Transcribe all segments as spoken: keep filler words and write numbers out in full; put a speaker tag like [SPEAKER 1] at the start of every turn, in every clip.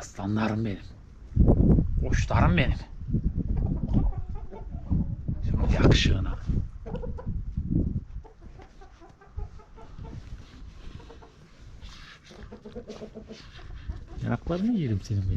[SPEAKER 1] Aslanlarım benim. Kuşlarım benim. Şimdi yakışığına. Yanaklarını yerim senin benim.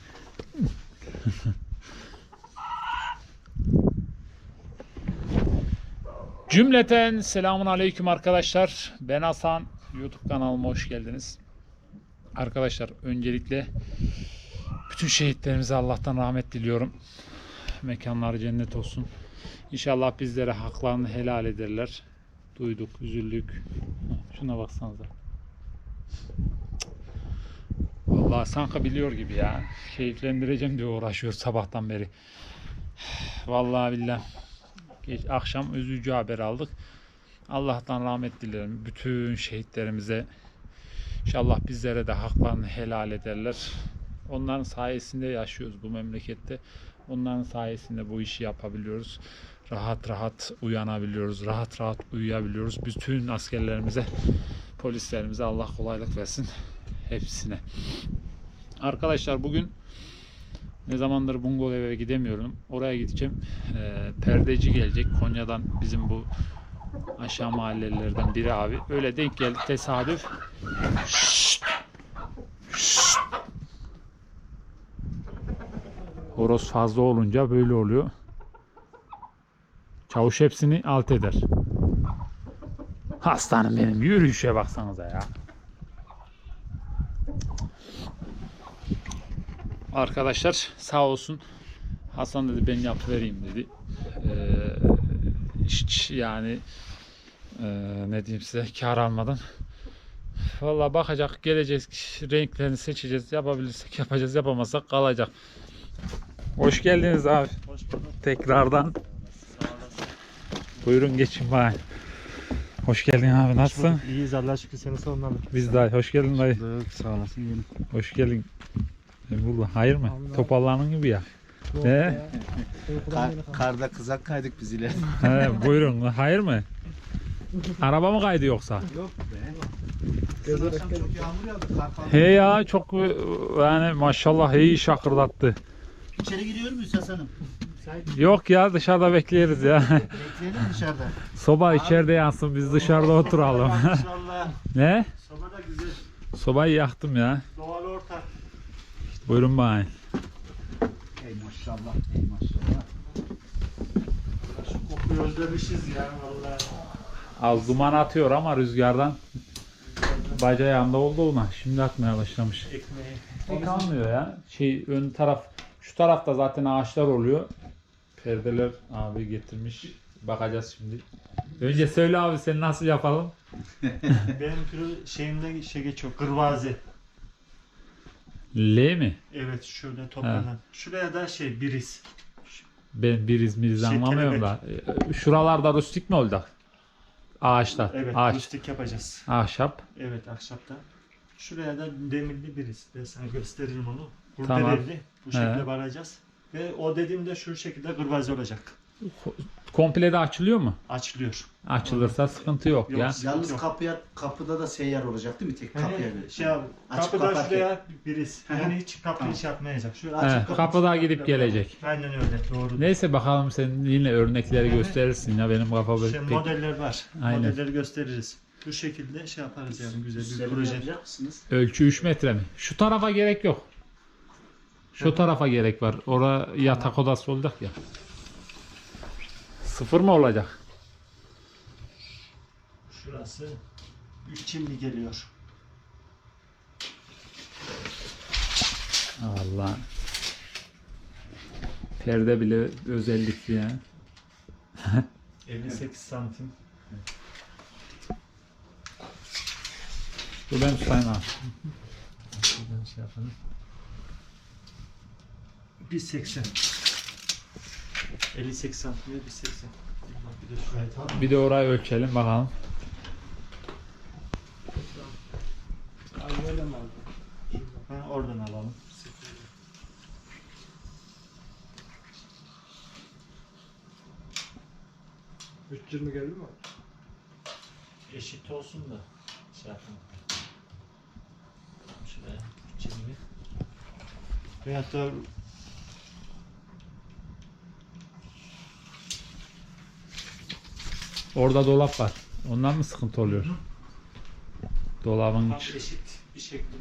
[SPEAKER 1] Cümleten selamun aleyküm arkadaşlar. Ben Hasan. YouTube kanalıma hoş geldiniz. Arkadaşlar öncelikle bütün şehitlerimize Allah'tan rahmet diliyorum. Mekanları cennet olsun. İnşallah bizlere haklarını helal ederler. Duyduk, üzüldük. Şuna baksanıza. Vallahi sanki biliyor gibi ya. Keyiflendireceğim diye uğraşıyor sabahtan beri. Vallahi billahi. Geç, akşam üzücü haber aldık. Allah'tan rahmet dilerim bütün şehitlerimize. İnşallah bizlere de haklarını helal ederler. Onların sayesinde yaşıyoruz bu memlekette. Onların sayesinde bu işi yapabiliyoruz. Rahat rahat uyanabiliyoruz. Rahat rahat uyuyabiliyoruz. Bütün askerlerimize, polislerimize Allah kolaylık versin. Hepsine. Arkadaşlar bugün ne zamandır Bungalov'a gidemiyorum. Oraya gideceğim. E, perdeci gelecek. Konya'dan bizim bu aşağı mahallelerden biri abi. Öyle denk geldi tesadüf. Şşt. Şşt. Horoz fazla olunca böyle oluyor. Çavuş hepsini alt eder. Hastanım benim. Yürüyüşe baksanıza ya. Arkadaşlar sağ olsun. Hasan dedi ben yapıvereyim dedi. Ee, hiç yani e, ne diyeyim size kar almadan. Vallahi bakacak, geleceğiz, renklerini seçeceğiz, yapabilirsek yapacağız, yapamazsak kalacak. Hoş geldiniz abi.
[SPEAKER 2] Hoş bulduk.
[SPEAKER 1] Tekrardan. Buyurun geçin bari. Hoş geldin abi, nasılsın?
[SPEAKER 2] İyiyiz Allah'a şükür, seni sormalı.
[SPEAKER 1] Biz de hoş geldin dayı.
[SPEAKER 2] Sağ olasın yeğenim.
[SPEAKER 1] Hoş geldin. Burada hayır mı?
[SPEAKER 2] Allah.
[SPEAKER 1] Topallanın gibi ya. Ne?
[SPEAKER 3] Kar, karda kızak kaydık biz ile.
[SPEAKER 1] He, buyurun. Hayır mı? Araba mı kaydı yoksa?
[SPEAKER 3] Yok be. Dün akşam çok yağmur yağdı. Kar falan.
[SPEAKER 1] He ya çok yani maşallah iyi şakırdattı.
[SPEAKER 3] İçeri giriyor muyuz Hasan'ım?
[SPEAKER 1] Yok ya dışarıda bekleriz ya.
[SPEAKER 3] Bekleyelim dışarıda.
[SPEAKER 1] Soba içeride yansın biz dışarıda oturalım.
[SPEAKER 2] Maşallah.
[SPEAKER 1] Ne?
[SPEAKER 2] Soba da güzel.
[SPEAKER 1] Sobayı yaktım ya.
[SPEAKER 2] Doğal ortam.
[SPEAKER 1] Buyurun bana.
[SPEAKER 3] Ey maşallah. Ey maşallah.
[SPEAKER 2] Şu kokuyu özlemişiz ya vallahi.
[SPEAKER 1] Az duman atıyor ama rüzgardan baca yanında oldu ona. Şimdi atmaya başlamış.
[SPEAKER 2] Ekmeği.
[SPEAKER 1] Pek almıyor ya. Şey ön taraf, şu tarafta zaten ağaçlar oluyor. Perdeler abi getirmiş. Bakacağız şimdi. Önce söyle abi sen nasıl yapalım?
[SPEAKER 2] Benim kırı şeyimde şey geçiyor. Kırvazi.
[SPEAKER 1] L mi?
[SPEAKER 2] Evet şöyle toplanan. Şuraya da şey biriz.
[SPEAKER 1] Ben bir İzmir'iz
[SPEAKER 2] Şey,
[SPEAKER 1] anlamıyorum da. Ee, Şuralarda rustik mi olacak? Ağaçlar.
[SPEAKER 2] Evet
[SPEAKER 1] Ağaç.
[SPEAKER 2] rustik yapacağız.
[SPEAKER 1] Ahşap.
[SPEAKER 2] Evet ahşapta. Şuraya da demirli biriz. Ben sana gösteririm onu. Burada
[SPEAKER 1] Tamam.
[SPEAKER 2] belli. Bu şekilde
[SPEAKER 1] He.
[SPEAKER 2] varacağız. Ve o dediğimde şu şekilde kırvazi olacak.
[SPEAKER 1] Komple de açılıyor mu?
[SPEAKER 2] Açılıyor.
[SPEAKER 1] Açılırsa sıkıntı yok,
[SPEAKER 2] Yok.
[SPEAKER 1] ya.
[SPEAKER 3] Yalnız
[SPEAKER 2] Yok.
[SPEAKER 3] kapıya kapıda da seyyar olacak değil mi? Tek kapıya.
[SPEAKER 2] Yani
[SPEAKER 3] böyle.
[SPEAKER 2] şey abi,
[SPEAKER 3] Açıp
[SPEAKER 2] kapıdan
[SPEAKER 3] kapat.
[SPEAKER 2] şuraya biriz.
[SPEAKER 3] Hı hı.
[SPEAKER 2] Yani hiç kapıyı
[SPEAKER 3] Tamam.
[SPEAKER 2] hiç yapmayacak. Şöyle
[SPEAKER 1] He,
[SPEAKER 2] açıp kapat.
[SPEAKER 1] kapıda gidip gelecek.
[SPEAKER 2] Aynen öyle. Doğru.
[SPEAKER 1] Neyse bakalım sen yine örnekleri
[SPEAKER 2] Hı hı.
[SPEAKER 1] gösterirsin ya benim kafa böyle
[SPEAKER 2] Şey,
[SPEAKER 1] pek...
[SPEAKER 2] modeller var.
[SPEAKER 1] Aynen.
[SPEAKER 2] Modelleri gösteririz. Bu şekilde şey yaparız yani güzel bir
[SPEAKER 3] Üstlerini
[SPEAKER 2] proje.
[SPEAKER 3] yapacak mısınız?
[SPEAKER 1] Ölçü üç metre mi? Şu tarafa gerek yok. Şu tarafa gerek var. Orada yatak odası olacak ya. Sıfır mı olacak?
[SPEAKER 2] Şurası üç çimli geliyor.
[SPEAKER 1] Allah. Perde bile özellikli ya.
[SPEAKER 2] elli sekiz santim.
[SPEAKER 1] Dur ben tutayım abi.
[SPEAKER 2] Şuradan şey yapalım. bir seksen. elli sekiz santim ve bir seksen. Bak bir de şurayı tamam.
[SPEAKER 1] Bir de orayı ölçelim bakalım.
[SPEAKER 2] Ha, oradan alalım.
[SPEAKER 4] üç yirmi geldi mi?
[SPEAKER 2] Eşit olsun da şey yapalım. Şuraya üç yirmi. Veyahut da
[SPEAKER 1] Orada dolap var. Ondan mı sıkıntı oluyor? Dolabın
[SPEAKER 2] tam
[SPEAKER 1] iç-
[SPEAKER 2] eşit bir şekilde.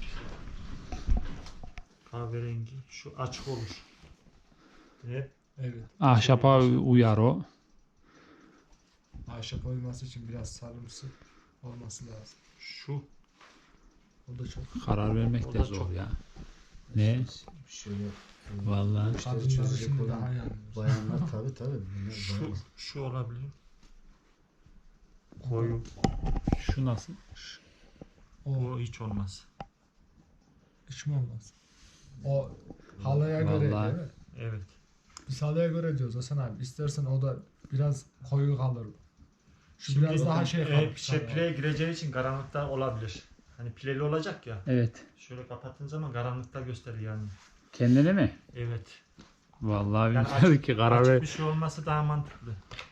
[SPEAKER 2] Kahverengi. Şu açık olur. Evet.
[SPEAKER 3] Evet.
[SPEAKER 1] ahşapa uyar o.
[SPEAKER 3] Ahşap oyması için biraz sarımsı olması lazım.
[SPEAKER 2] Şu.
[SPEAKER 3] O da çok.
[SPEAKER 1] Karar vermek
[SPEAKER 2] O
[SPEAKER 1] de
[SPEAKER 2] da
[SPEAKER 1] zor
[SPEAKER 2] çok-
[SPEAKER 1] ya. Ne?
[SPEAKER 5] Şöyle
[SPEAKER 1] Vallahi.
[SPEAKER 3] Kadınlar
[SPEAKER 5] çözecek
[SPEAKER 3] şimdi
[SPEAKER 5] olan
[SPEAKER 3] daha yanıyor.
[SPEAKER 5] bayanlar tabii tabii. Bunlar
[SPEAKER 2] Şu,
[SPEAKER 5] bayan-
[SPEAKER 2] şu olabilir. Koyu.
[SPEAKER 1] Şu nasıl?
[SPEAKER 3] O
[SPEAKER 2] O hiç olmaz.
[SPEAKER 3] hiç mi olmaz? O halıya göre
[SPEAKER 1] Vallahi.
[SPEAKER 3] değil mi?
[SPEAKER 2] Evet.
[SPEAKER 3] Biz halıya göre diyoruz Hasan abi. İstersen o da biraz koyu kalır. Şu
[SPEAKER 2] Şimdi
[SPEAKER 3] biraz daha şey
[SPEAKER 2] e,
[SPEAKER 3] kalır.
[SPEAKER 2] şey, pileye gireceği için karanlıkta olabilir. Hani pileli olacak ya.
[SPEAKER 1] Evet.
[SPEAKER 2] Şöyle kapattığın zaman karanlıkta gösterir yani.
[SPEAKER 1] Kendini mi?
[SPEAKER 2] Evet.
[SPEAKER 1] Vallahi
[SPEAKER 2] Yani
[SPEAKER 1] bilmiyorum
[SPEAKER 2] açık,
[SPEAKER 1] ki karar
[SPEAKER 2] açık
[SPEAKER 1] ver.
[SPEAKER 2] bir şey olması daha mantıklı.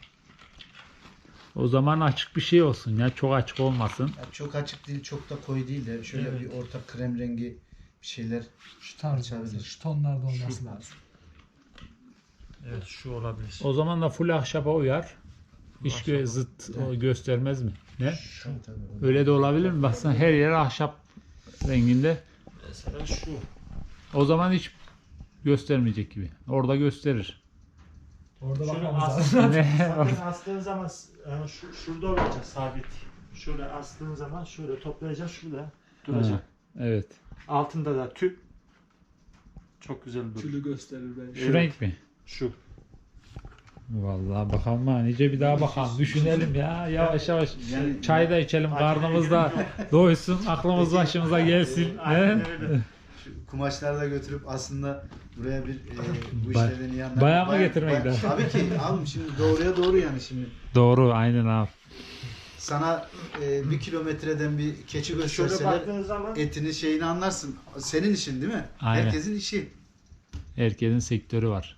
[SPEAKER 1] O zaman açık bir şey olsun ya. Çok açık olmasın.
[SPEAKER 5] Ya çok açık değil, çok da koyu değil de şöyle
[SPEAKER 2] Evet.
[SPEAKER 5] bir orta krem rengi bir şeyler.
[SPEAKER 3] Şu tarz
[SPEAKER 5] Açabilir.
[SPEAKER 3] olması, şu tonlarda olması
[SPEAKER 2] Şu-
[SPEAKER 3] lazım.
[SPEAKER 2] Evet şu olabilir.
[SPEAKER 1] O zaman da full ahşaba uyar. Hiç
[SPEAKER 2] Ahşaba.
[SPEAKER 1] gö- zıt o göstermez mi? Ne?
[SPEAKER 5] Tabii tabii.
[SPEAKER 1] Öyle de olabilir mi? Baksana her yer ahşap renginde.
[SPEAKER 2] Mesela şu.
[SPEAKER 1] O zaman hiç göstermeyecek gibi. Orada gösterir.
[SPEAKER 3] Orada
[SPEAKER 2] Şöyle
[SPEAKER 3] bakmamız
[SPEAKER 2] as,
[SPEAKER 3] lazım.
[SPEAKER 1] Ne?
[SPEAKER 2] zaten astığın zaman yani şu, şurada olacak sabit. Şöyle astığın zaman şöyle toplayacaksın şurada duracak.
[SPEAKER 1] Ha, evet.
[SPEAKER 2] Altında da tüp. Çok güzel durur.
[SPEAKER 3] Tülü gösterir bence.
[SPEAKER 1] Şu
[SPEAKER 2] Evet.
[SPEAKER 1] renk mi?
[SPEAKER 2] Şu.
[SPEAKER 1] Vallahi bakalım ha. Nice bir daha bakalım. Düşünelim ya. Yavaş yavaş.
[SPEAKER 5] Yani
[SPEAKER 1] Çay da içelim. Karnımız da doysun. Aklımız başımıza gelsin.
[SPEAKER 2] Aynen
[SPEAKER 1] He?
[SPEAKER 2] öyle.
[SPEAKER 5] şu kumaşları da götürüp aslında buraya bir e, bu
[SPEAKER 1] Bay-
[SPEAKER 5] işlerden iyi anlayan
[SPEAKER 1] bayağı mı
[SPEAKER 5] bayan-
[SPEAKER 1] getirmek
[SPEAKER 5] bayan-
[SPEAKER 1] lazım?
[SPEAKER 5] Tabii ki abim şimdi doğruya doğru yani şimdi.
[SPEAKER 1] Doğru. Aynen abi.
[SPEAKER 5] Sana e, bir kilometreden bir keçi
[SPEAKER 2] Şöyle
[SPEAKER 5] gösterseler
[SPEAKER 2] baktığın zaman
[SPEAKER 5] etini şeyini anlarsın. Senin işin değil mi?
[SPEAKER 1] Aynen.
[SPEAKER 5] Herkesin işi.
[SPEAKER 1] Herkesin sektörü var.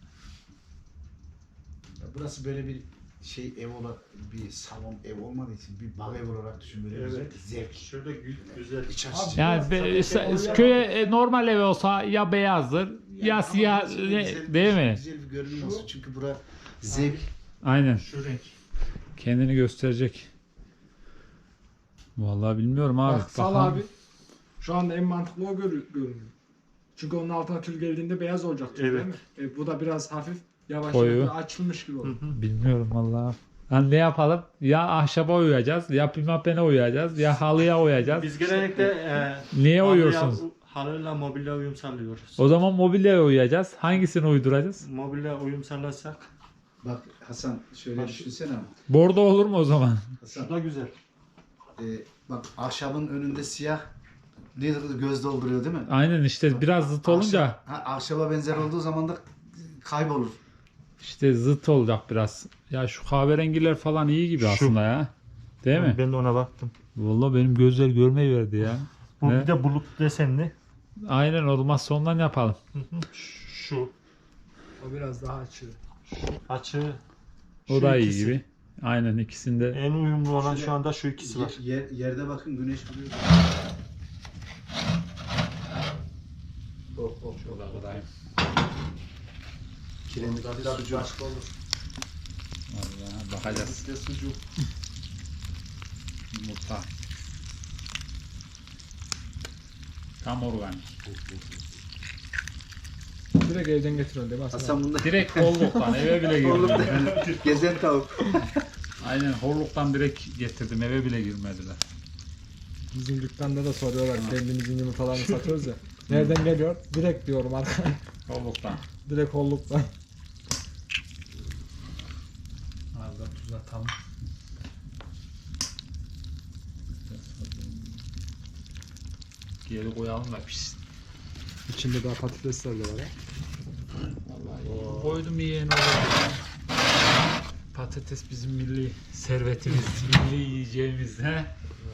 [SPEAKER 5] Ya burası böyle bir şey ev olarak bir salon ev olmadığı için bir bal ev olarak düşün böyle
[SPEAKER 2] Evet.
[SPEAKER 5] güzel bir zevk.
[SPEAKER 2] şöyle gü- güzel.
[SPEAKER 5] İç
[SPEAKER 3] Abi,
[SPEAKER 5] açıcı.
[SPEAKER 1] Yani be-
[SPEAKER 3] Tabii ki
[SPEAKER 1] sa-
[SPEAKER 3] oraya-
[SPEAKER 1] köye e, normal ev olsa ya beyazdır ya
[SPEAKER 5] ama
[SPEAKER 1] siyah
[SPEAKER 5] burası
[SPEAKER 1] ne-
[SPEAKER 5] güzel-
[SPEAKER 1] değil mi?
[SPEAKER 5] Güzel bir görünüm olsun çünkü bura zevk.
[SPEAKER 1] Aynen.
[SPEAKER 2] Şu renk.
[SPEAKER 1] Kendini gösterecek. Vallahi bilmiyorum abi.
[SPEAKER 3] Bak Sal
[SPEAKER 1] Bakalım.
[SPEAKER 3] abi. Şu anda en mantıklı o görü- görünüyor. Çünkü onun altına tül geldiğinde beyaz olacak tül,
[SPEAKER 2] Evet.
[SPEAKER 3] değil mi? E, bu da biraz hafif yavaş
[SPEAKER 1] Koyu.
[SPEAKER 3] yavaş açılmış gibi olur.
[SPEAKER 1] Bilmiyorum vallahi. Hani ne yapalım? Ya ahşaba uyuyacağız, ya pimapene uyuyacağız, ya halıya uyuyacağız.
[SPEAKER 2] Biz genellikle e,
[SPEAKER 1] Niye
[SPEAKER 2] halıya-
[SPEAKER 1] uyuyorsunuz?
[SPEAKER 2] Halıyla mobilya uyum sağlıyoruz.
[SPEAKER 1] O zaman mobilyaya uyuyacağız. Hangisini uyduracağız?
[SPEAKER 2] Mobilya uyum sağlarsak
[SPEAKER 5] Bak Hasan şöyle
[SPEAKER 2] Bak-
[SPEAKER 5] düşünsene.
[SPEAKER 1] Bordo olur mu o zaman?
[SPEAKER 5] Hasan
[SPEAKER 2] şu da güzel.
[SPEAKER 5] e, bak ahşabın önünde siyah ne göz dolduruyor değil mi?
[SPEAKER 1] Aynen işte biraz zıt olunca
[SPEAKER 5] Ahşap- ha, ahşaba benzer olduğu zaman da kaybolur.
[SPEAKER 1] işte zıt olacak biraz. Ya şu kahverengiler falan iyi gibi
[SPEAKER 2] Şu.
[SPEAKER 1] aslında ya. Değil mi?
[SPEAKER 2] Ben de ona baktım.
[SPEAKER 1] Vallahi benim gözler görmeyi verdi ya.
[SPEAKER 2] Bu
[SPEAKER 1] Ne?
[SPEAKER 2] bir de bulut desenli.
[SPEAKER 1] Aynen olmazsa ondan yapalım.
[SPEAKER 2] Şu.
[SPEAKER 3] O biraz daha açıyor.
[SPEAKER 2] Açığı.
[SPEAKER 1] O
[SPEAKER 2] şu
[SPEAKER 1] da iyi
[SPEAKER 2] ikisi.
[SPEAKER 1] gibi. Aynen ikisinde.
[SPEAKER 2] En uyumlu olan
[SPEAKER 5] Şöyle-
[SPEAKER 2] şu anda şu ikisi var.
[SPEAKER 5] Yer, yer- yerde bakın güneş vuruyor. Oh, oh, oh. Kiremit de sucuk.
[SPEAKER 1] Vallahi bakacağız.
[SPEAKER 5] Bir de sucuk.
[SPEAKER 1] Yumurta. Tam organik.
[SPEAKER 3] Direkt evden getiriyorsun değil mi Hasan?
[SPEAKER 5] Hasan bunda
[SPEAKER 1] Direkt holluktan eve bile girmediler.
[SPEAKER 5] gezen tavuk.
[SPEAKER 1] Aynen holluktan direkt getirdim eve bile girmediler.
[SPEAKER 3] Bizim dükkanda da soruyorlar. Kendimizin yumurtalarını satıyoruz ya. Nereden geliyor? Direkt diyorum arkadaşlar.
[SPEAKER 1] Holluktan.
[SPEAKER 3] Direkt holluktan.
[SPEAKER 1] Az da tuz atalım. Geri koyalım da pişsin.
[SPEAKER 3] İçinde daha patatesler de var ha.
[SPEAKER 1] Vallahi koydum yiyen olur. Patates bizim milli servetimiz, milli yiyeceğimiz he.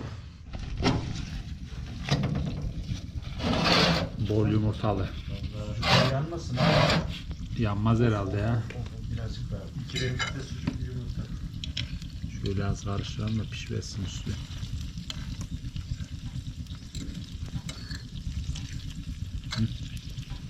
[SPEAKER 1] Bol yumurtalı.
[SPEAKER 5] Yanmasın abi.
[SPEAKER 1] Yanmaz herhalde ya.
[SPEAKER 5] Birazcık daha.
[SPEAKER 2] Kiremitte sucuk yumurta.
[SPEAKER 1] Şöyle az karıştıralım da pişmesin üstü. Hı.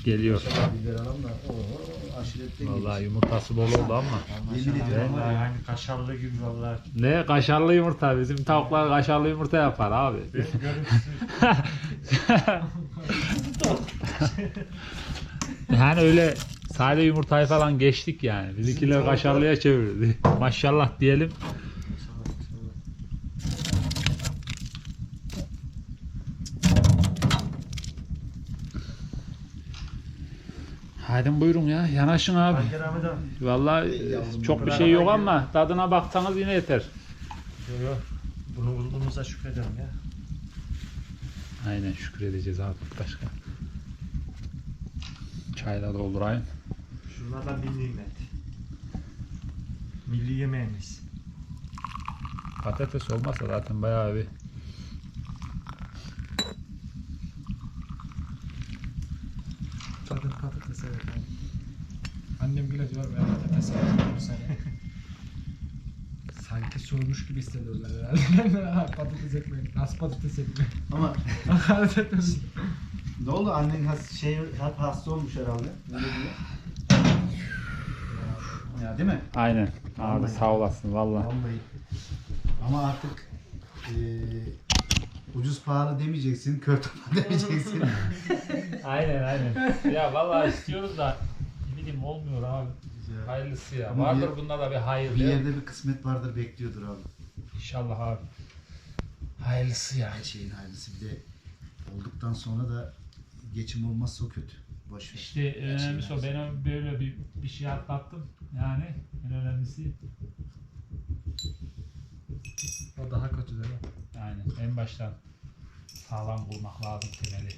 [SPEAKER 1] Geliyor.
[SPEAKER 5] Biber alalım da. Oo, aşiretten
[SPEAKER 1] Vallahi yumurtası bol oldu ama.
[SPEAKER 5] Yemin ediyorum var
[SPEAKER 2] Vallahi
[SPEAKER 5] ya.
[SPEAKER 2] hani kaşarlı gibi vallahi.
[SPEAKER 1] Ne kaşarlı yumurta, bizim tavuklar kaşarlı yumurta yapar abi.
[SPEAKER 2] Ben görüntüsü.
[SPEAKER 1] Yani öyle sade yumurtayı falan geçtik yani. Bizimkiler kaşarlıya çevirdi. Maşallah diyelim. Hadi buyurun ya, yanaşın abi.
[SPEAKER 2] Hangi Ahmet abi?
[SPEAKER 1] Vallahi çok bir şey yok ama tadına baksanız yine yeter.
[SPEAKER 2] Yok yok. Bunu bulduğumuza şükredelim ya.
[SPEAKER 1] Aynen, şükredeceğiz abi, başka. Çayla doldurayım.
[SPEAKER 2] Şunlardan bir nimet. Milli yemeğimiz.
[SPEAKER 1] Patates olmasa zaten bayağı bir.
[SPEAKER 3] Zaten patates evet abi. Annem bile diyor ben patates seviyorum bu sene. Sanki sormuş gibi hissediyorlar herhalde. Patates ekmeği. Nasıl patates ekmeği?
[SPEAKER 5] Ama
[SPEAKER 3] Hakaret etmesin.
[SPEAKER 5] ne oldu? Annen has, şey, hep hasta olmuş herhalde. Ne diyor? Ya değil mi?
[SPEAKER 1] Aynen. Abi
[SPEAKER 5] Vallahi.
[SPEAKER 1] sağ olasın vallahi.
[SPEAKER 5] Vallahi. Ama artık eee ucuz pahalı demeyeceksin, kör topal demeyeceksin.
[SPEAKER 1] Aynen aynen. Ya vallahi istiyoruz da ne bileyim olmuyor abi. Hayırlısı ya.
[SPEAKER 5] Ama
[SPEAKER 1] Vardır
[SPEAKER 5] bir-
[SPEAKER 1] bunda da bir hayır.
[SPEAKER 5] Bir
[SPEAKER 1] değil mi?
[SPEAKER 5] yerde bir kısmet vardır, bekliyordur abi.
[SPEAKER 1] İnşallah abi. Hayırlısı ya.
[SPEAKER 5] Her şeyin hayırlısı. Bir de olduktan sonra da geçim olmazsa o kötü. Boş ver.
[SPEAKER 1] İşte en
[SPEAKER 5] Her şeyin
[SPEAKER 1] önemlisi o.
[SPEAKER 5] hayırlısı.
[SPEAKER 1] Ben böyle bir, bir şey atlattım. Yani en önemlisi
[SPEAKER 3] O daha kötü değil mi?
[SPEAKER 1] yani en baştan sağlam bulmak lazım temeli.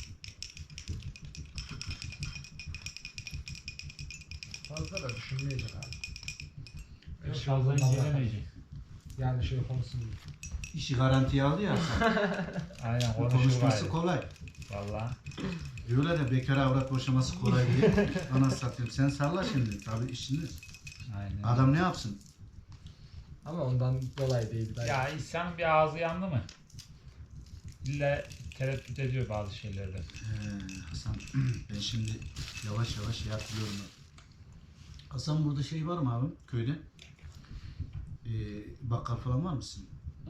[SPEAKER 3] Fazla da düşünmeyecek abi.
[SPEAKER 1] Yok,
[SPEAKER 3] şey
[SPEAKER 1] fazla
[SPEAKER 3] olmadan
[SPEAKER 1] incelemeyecek.
[SPEAKER 3] Yani şey konusunu
[SPEAKER 5] İşi garantiye aldı ya sen.
[SPEAKER 1] Aynen konuşur
[SPEAKER 5] Konuşması
[SPEAKER 1] gayrı.
[SPEAKER 5] kolay.
[SPEAKER 1] Valla.
[SPEAKER 5] Diyorlar ya bekar avrat boşaması kolay diye. Bana satayım. Sen salla şimdi. Tabii işini.
[SPEAKER 1] Aynen.
[SPEAKER 5] Adam ne yapsın?
[SPEAKER 3] ama ondan dolayı değil. Ben
[SPEAKER 1] Ya insanın bir ağzı yandı mı? İlla tereddüt ediyor bazı şeylerde.
[SPEAKER 5] Ee, Hasan ben şimdi yavaş yavaş şey hatırlıyorum. Hasan burada şey var mı abi köyde? Ee, bakkal falan var mısın?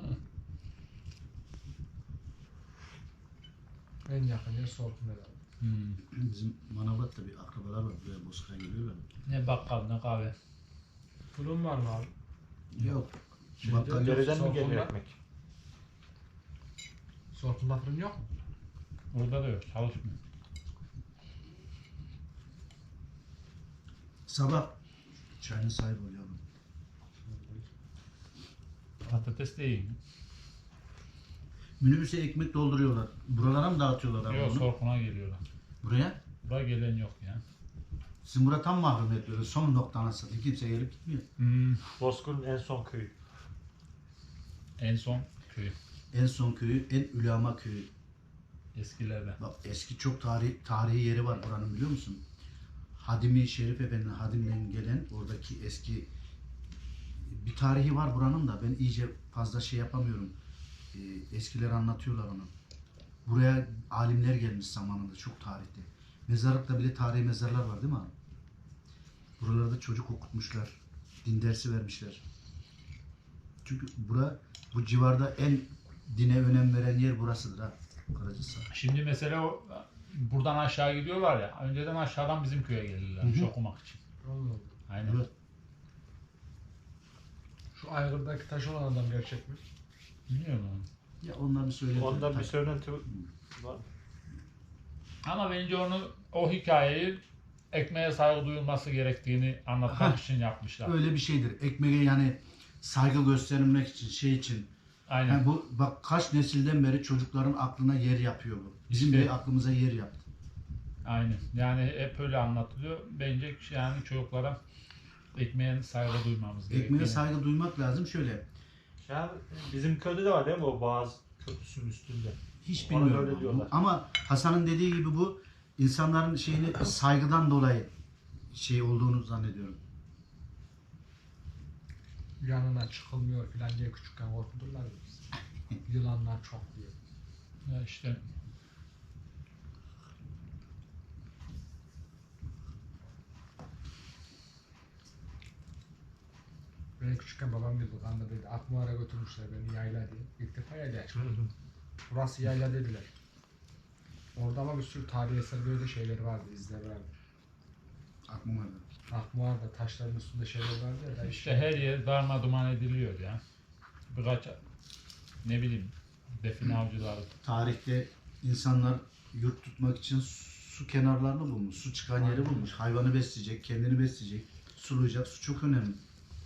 [SPEAKER 3] en yakın yer Sorkun herhalde.
[SPEAKER 1] Hmm.
[SPEAKER 5] Bizim Manavgat'ta bir akrabalar var buraya Bozkır'a geliyorlar.
[SPEAKER 1] Ne bakkal ne kahve.
[SPEAKER 3] Fırın var mı abi?
[SPEAKER 5] Yok.
[SPEAKER 3] Şeyde,
[SPEAKER 5] Bakkal yok.
[SPEAKER 2] Dereden mi
[SPEAKER 3] Sorkunlar.
[SPEAKER 2] geliyor ekmek?
[SPEAKER 3] Sorkun'da fırın yok mu?
[SPEAKER 1] Burada da yok, çalışmıyor.
[SPEAKER 5] Sabah çayını sahip oluyorum.
[SPEAKER 1] Patates de iyi.
[SPEAKER 5] Minibüse ekmek dolduruyorlar. Buralara mı dağıtıyorlar abi
[SPEAKER 1] Yok,
[SPEAKER 5] onu?
[SPEAKER 1] Sorkun'a geliyorlar.
[SPEAKER 5] Buraya?
[SPEAKER 1] Buraya gelen yok ya.
[SPEAKER 5] Sizin burada tam mahrumiyet böyle. Son nokta anasını. Kimse gelip gitmiyor.
[SPEAKER 1] Hmm.
[SPEAKER 2] Bozkır'ın en son köyü.
[SPEAKER 1] En son köy.
[SPEAKER 5] En son köyü, en ülama köyü.
[SPEAKER 1] Eskilerde.
[SPEAKER 5] Bak eski çok tarih, tarihi yeri var buranın biliyor musun? Hadimi Şerif Efendi'nin Hadim'den gelen oradaki eski bir tarihi var buranın da ben iyice fazla şey yapamıyorum. Ee, eskiler anlatıyorlar onu. Buraya alimler gelmiş zamanında çok tarihte. Mezarlıkta bile tarihi mezarlar var değil mi abi? Buralarda çocuk okutmuşlar. Din dersi vermişler. Çünkü bura bu civarda en dine önem veren yer burasıdır ha. Karacahisar.
[SPEAKER 1] Şimdi mesela o, buradan aşağı gidiyorlar ya. Önceden aşağıdan bizim köye gelirlermiş
[SPEAKER 5] Hı hı.
[SPEAKER 1] okumak için.
[SPEAKER 3] Allah.
[SPEAKER 1] Aynen.
[SPEAKER 5] Evet.
[SPEAKER 3] Şu aygırdaki taş olan adam gerçek mi?
[SPEAKER 1] Bilmiyorum onu.
[SPEAKER 5] Ya onlar bir söyledi.
[SPEAKER 2] Ondan bir
[SPEAKER 5] Tabii.
[SPEAKER 2] söylenti var.
[SPEAKER 1] Ama bence onu, o hikayeyi ekmeğe saygı duyulması gerektiğini anlatmak için yapmışlar.
[SPEAKER 5] Öyle bir şeydir. Ekmeğe yani saygı göstermek için, şey için.
[SPEAKER 1] Aynen.
[SPEAKER 5] Yani bu bak kaç nesilden beri çocukların aklına yer yapıyor bu. Bizim
[SPEAKER 1] İşte.
[SPEAKER 5] bile aklımıza yer yaptı.
[SPEAKER 1] Aynen. Yani hep öyle anlatılıyor. Bence yani çocuklara ekmeğe saygı duymamız gerekiyor.
[SPEAKER 5] Ekmeğe saygı duymak lazım. Şöyle
[SPEAKER 2] Yani bizim köyde de var değil mi o Boğaz Köprüsü'nün üstünde?
[SPEAKER 5] hiç
[SPEAKER 2] Bana
[SPEAKER 5] bilmiyorum.
[SPEAKER 2] öyle
[SPEAKER 5] ama.
[SPEAKER 2] diyorlar.
[SPEAKER 5] Ama Hasan'ın dediği gibi bu insanların şeyini saygıdan dolayı şey olduğunu zannediyorum.
[SPEAKER 3] Yanına çıkılmıyor filan diye küçükken korkuturlar ya biz. Yılanlar çok diye.
[SPEAKER 1] Ya işte
[SPEAKER 3] küçükken babam dedi kandırdıydı. Akmuar'a götürmüşler beni yayla diye. İlk defa yayla çıktım. Burası yayla dediler. Orada ama bir sürü tarihi eser böyle şeyler vardı, izler vardı.
[SPEAKER 5] Aklıma geldi.
[SPEAKER 3] Akmuar'da taşların üstünde şeyler vardı ya. Da
[SPEAKER 1] İşte her yer darma duman ediliyor ya. Birkaç ne bileyim define avcıları.
[SPEAKER 5] Tarihte insanlar yurt tutmak için su kenarlarını bulmuş. Su çıkan yeri bulmuş. Hayvanı besleyecek, kendini besleyecek, sulayacak. Su çok önemli.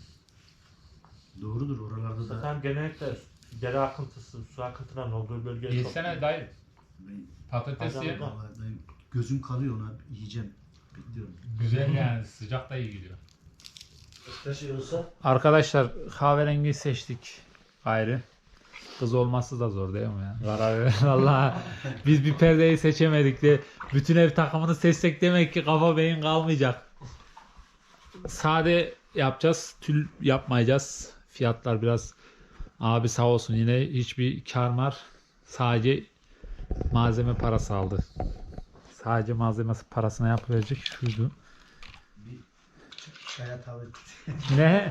[SPEAKER 5] Doğrudur. Oralarda da
[SPEAKER 2] Zaten genellikle dere akıntısı, su akıntılarının olduğu bölge çok.
[SPEAKER 1] Yesene dayı.
[SPEAKER 5] ben,
[SPEAKER 1] Patates ye.
[SPEAKER 2] Adamda.
[SPEAKER 5] vallahi ben gözüm kalıyor ona. Yiyeceğim. Bekliyorum.
[SPEAKER 1] Güzel yani sıcak da iyi gidiyor.
[SPEAKER 2] Taşıyorsa
[SPEAKER 1] Arkadaşlar kahverengi seçtik gayrı. Kız olması da zor değil mi ya? Karar Vallahi biz bir perdeyi seçemedik de bütün ev takımını seçsek demek ki kafa beyin kalmayacak. Sade yapacağız. Tül yapmayacağız. Fiyatlar biraz abi sağ olsun yine hiçbir kar var. Sadece malzeme parası aldı. Sadece malzeme parasına yapılacak şuydu.
[SPEAKER 5] Bir çaya tavır.
[SPEAKER 1] Ne?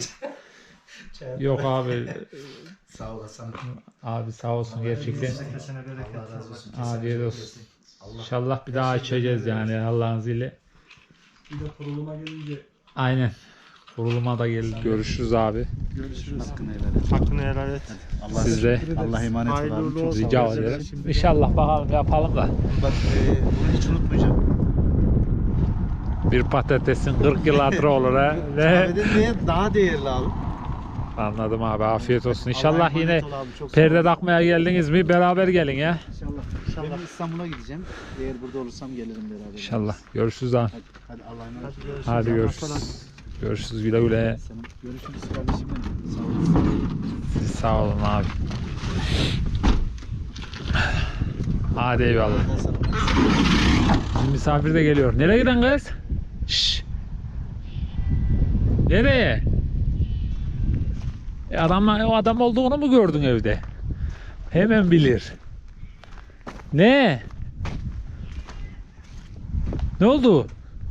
[SPEAKER 1] Yok abi.
[SPEAKER 5] Sağ olasın.
[SPEAKER 1] Abi sağ olsun gerçekten.
[SPEAKER 2] kesene bereket.
[SPEAKER 5] Allah razı olsun.
[SPEAKER 1] Afiyet olsun.
[SPEAKER 5] Allah
[SPEAKER 1] İnşallah bir daha içeceğiz yani Allah'ın izniyle.
[SPEAKER 3] Bir de kuruluma gelince
[SPEAKER 1] Aynen. Kuruluma da geldik. Görüşürüz abi.
[SPEAKER 3] görüşürüz.
[SPEAKER 5] hakkını helal et.
[SPEAKER 2] Hakkını helal et.
[SPEAKER 5] Allah
[SPEAKER 1] Siz de
[SPEAKER 5] Allah emanet ol
[SPEAKER 2] Hayırlı
[SPEAKER 5] abi.
[SPEAKER 2] uğurlu
[SPEAKER 5] Çok
[SPEAKER 2] olsun.
[SPEAKER 5] sağ ol.
[SPEAKER 1] rica
[SPEAKER 2] Güzel
[SPEAKER 1] ederim.
[SPEAKER 2] şimdi.
[SPEAKER 1] İnşallah bakalım yapalım da.
[SPEAKER 5] Bak e, bunu hiç unutmayacağım.
[SPEAKER 1] Bir patatesin kırk yıl hatırı olur ha. Ne?
[SPEAKER 5] Kahveden daha değerli abi.
[SPEAKER 1] Anladım abi. Afiyet olsun. İnşallah
[SPEAKER 5] Allah'a
[SPEAKER 1] yine
[SPEAKER 5] emanet ol abi, çok sağ ol.
[SPEAKER 1] perde takmaya geldiniz mi beraber gelin ya.
[SPEAKER 5] İnşallah. İnşallah. Ben İstanbul'a gideceğim. Eğer burada olursam gelirim beraber.
[SPEAKER 1] İnşallah. Görüşürüz abi.
[SPEAKER 5] Hadi, hadi Allah'a emanet ol.
[SPEAKER 2] Hadi görüşürüz.
[SPEAKER 1] Hadi
[SPEAKER 2] Allah
[SPEAKER 1] görüşürüz.
[SPEAKER 2] kolaylık.
[SPEAKER 1] Görüşürüz güle güle.
[SPEAKER 5] Senin- Görüşürüz kardeşim benim. Sağ olasın.
[SPEAKER 1] Siz sağ olun abi. Hadi eyvallah. Bizim misafir de geliyor. Nereye giden kız? Şşş. Nereye? E adam, o adam olduğunu mu gördün evde? Hemen bilir. Ne? Ne oldu?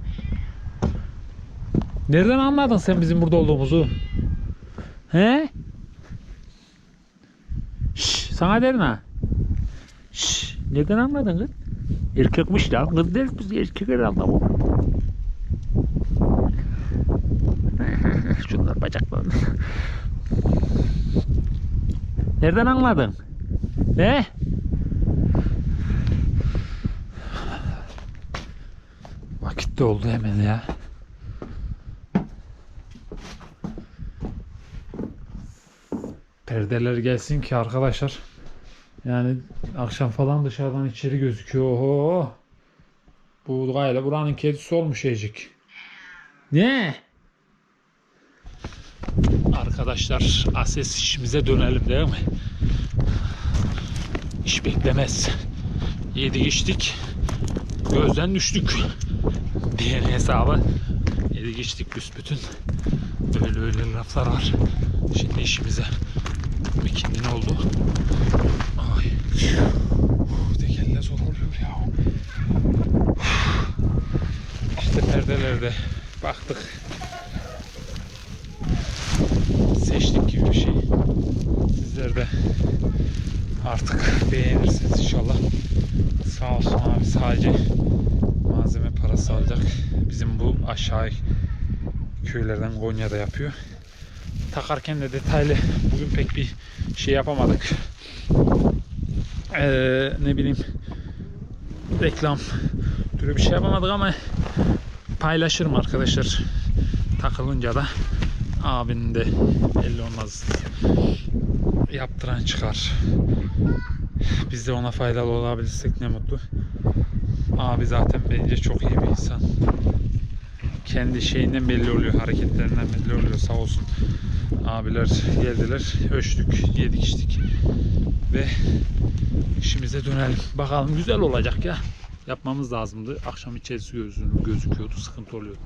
[SPEAKER 1] Nereden anladın sen bizim burada olduğumuzu? He? Şşş, sana derim ha. Şşş, nereden anladın kız? Erkekmiş lan. Kız değil biz erkek herhalde bu. Şunlar bacaklarını. Nereden anladın? Ne? Vakit de oldu hemen ya. Perdeler gelsin ki arkadaşlar. Yani akşam falan dışarıdan içeri gözüküyor. Oho. Bu gayet buranın kedisi olmuş Ecik. Ne? Arkadaşlar ases işimize dönelim değil mi? İş beklemez. Yedik içtik. Gözden düştük. Diyen hesabı. Yedik içtik büsbütün. Öyle öyle laflar var. Şimdi işimize. Bikindin oldu. Ay. Tekerle zor oluyor ya. İşte perdelerde baktık. Seçtik gibi bir şey. Sizler de artık beğenirsiniz inşallah. Sağ olsun abi sadece malzeme parası alacak. Bizim bu aşağı köylerden Konya'da yapıyor. Takarken de detaylı bugün pek bir şey yapamadık. Ee, ne bileyim reklam türü bir şey yapamadık ama paylaşırım arkadaşlar. Takılınca da abinin de belli olmaz. Yaptıran çıkar. Biz de ona faydalı olabilirsek ne mutlu. Abi zaten bence çok iyi bir insan. Kendi şeyinden belli oluyor, hareketlerinden belli oluyor sağ olsun. Abiler geldiler, ölçtük, yedik içtik ve işimize dönelim. Bakalım güzel olacak ya. Yapmamız lazımdı. Akşam içerisi gözüküyordu, sıkıntı oluyordu.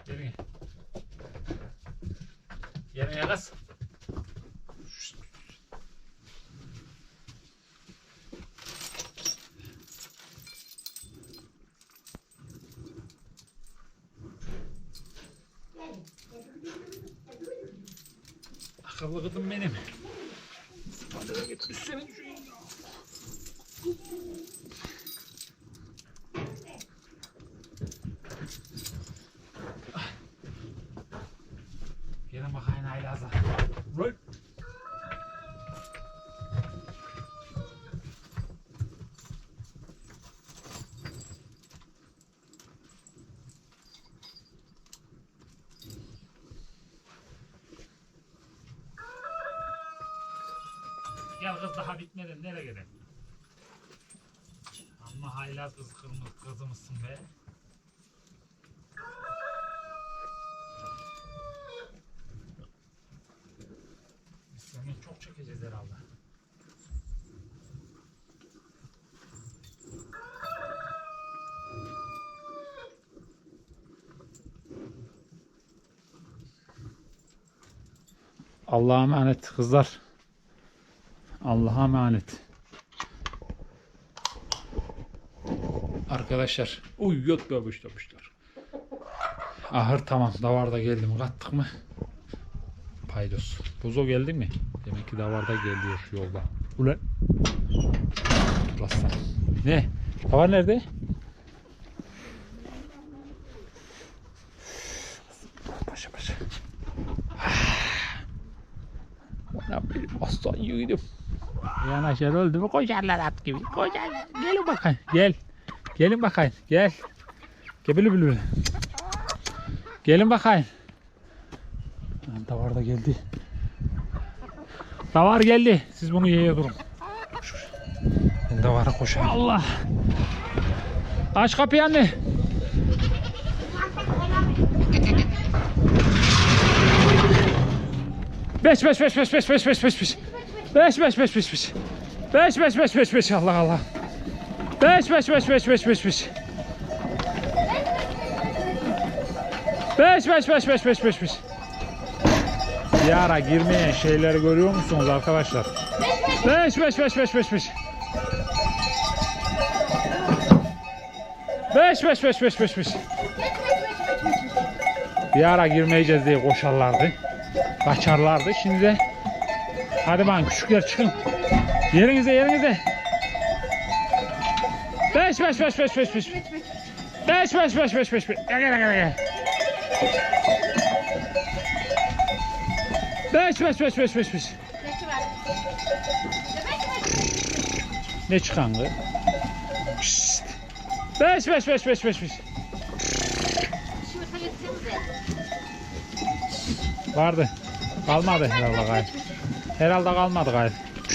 [SPEAKER 1] Gelin. Gelin kız. Akıllı kızım benim. Hadi getir senin şu. Gelin bakayım Aylaz'a. Rol. Gel kız daha bitmeden nereye gidelim? Amma haylaz kız kırmızı kızımızsın be. Biz seni çok çekeceğiz herhalde. Allah'a emanet kızlar. Allah'a emanet. Arkadaşlar. Uy yok be yapışlar. Ahır tamam. Davarda geldim. Kattık mı? Paydos. Buzo geldi mi? Demek ki davarda geliyor yolda. Ulan. Aslan. Ne? Davar nerede? Paşa paşa. Bana bir aslan yiğidim. Yanaşır öldü mü koşarlar at gibi. Koşarlar. Gelin bakayım. Gel. Gelin bakayım. Gel. Gel bülü bülü. Gelin bakayım. Davar da geldi. Davar geldi. Siz bunu yeye durun. Ben davara koşayım. Allah. Aç kapıyı anne. Beş beş beş beş beş beş beş beş beş. Beş beş beş beş beş. Beş beş beş beş beş Allah Allah. Beş beş beş beş beş beş beş. Beş beş beş beş beş beş beş. Bir ara girmeyen şeyleri görüyor musunuz arkadaşlar? Beş beş beş beş beş beş. Beş beş beş beş beş beş. Bir ara girmeyeceğiz diye koşarlardı. Kaçarlardı. Şimdi de hadi bakın küçükler çıkın. Yerinize yerinize. Beş beş beş beş beş beş. Beş beş beş beş beş beş. Gel gel gel gel. Beş beş beş beş beş beş. Ne çıkan kız? Pişt. Beş beş beş beş beş beş. Vardı. Kalmadı herhalde gayet. Herhalde kalmadı gayet.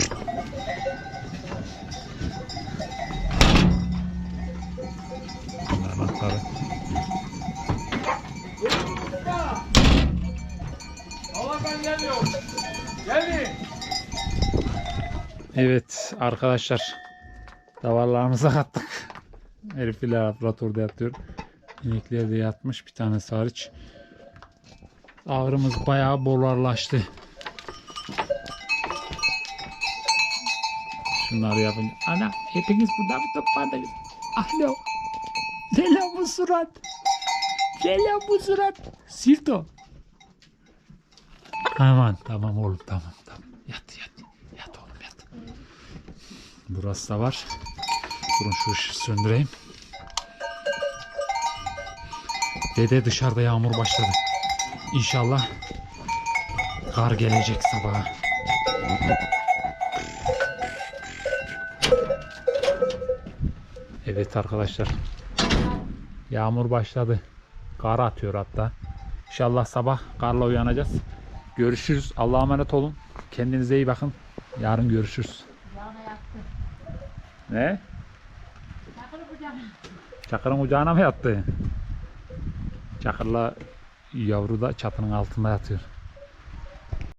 [SPEAKER 1] Anahtarı.
[SPEAKER 4] Allah'tan geliyor. Gelin.
[SPEAKER 1] Evet arkadaşlar. Davarlarımıza kattık. Herifler laboratuvarda yatıyor. İnekler de yatmış. Bir tanesi hariç. Ağrımız bayağı bolarlaştı. Şunları yapınca. Ana hepiniz burada mı toplandınız? Alo. Ne lan bu surat? Ne lan bu surat? Sirto. Aman tamam oğlum tamam tamam. Yat yat. Yat oğlum yat. Burası da var. Durun şu ışığı söndüreyim. Dede dışarıda yağmur başladı. İnşallah kar gelecek sabaha. Evet arkadaşlar. Yağmur başladı. Kar atıyor hatta. İnşallah sabah karla uyanacağız. Görüşürüz. Allah'a emanet olun. Kendinize iyi bakın. Yarın görüşürüz. Ne? Çakırın kucağına mı yattı? Çakırla yavru da çatının altında yatıyor.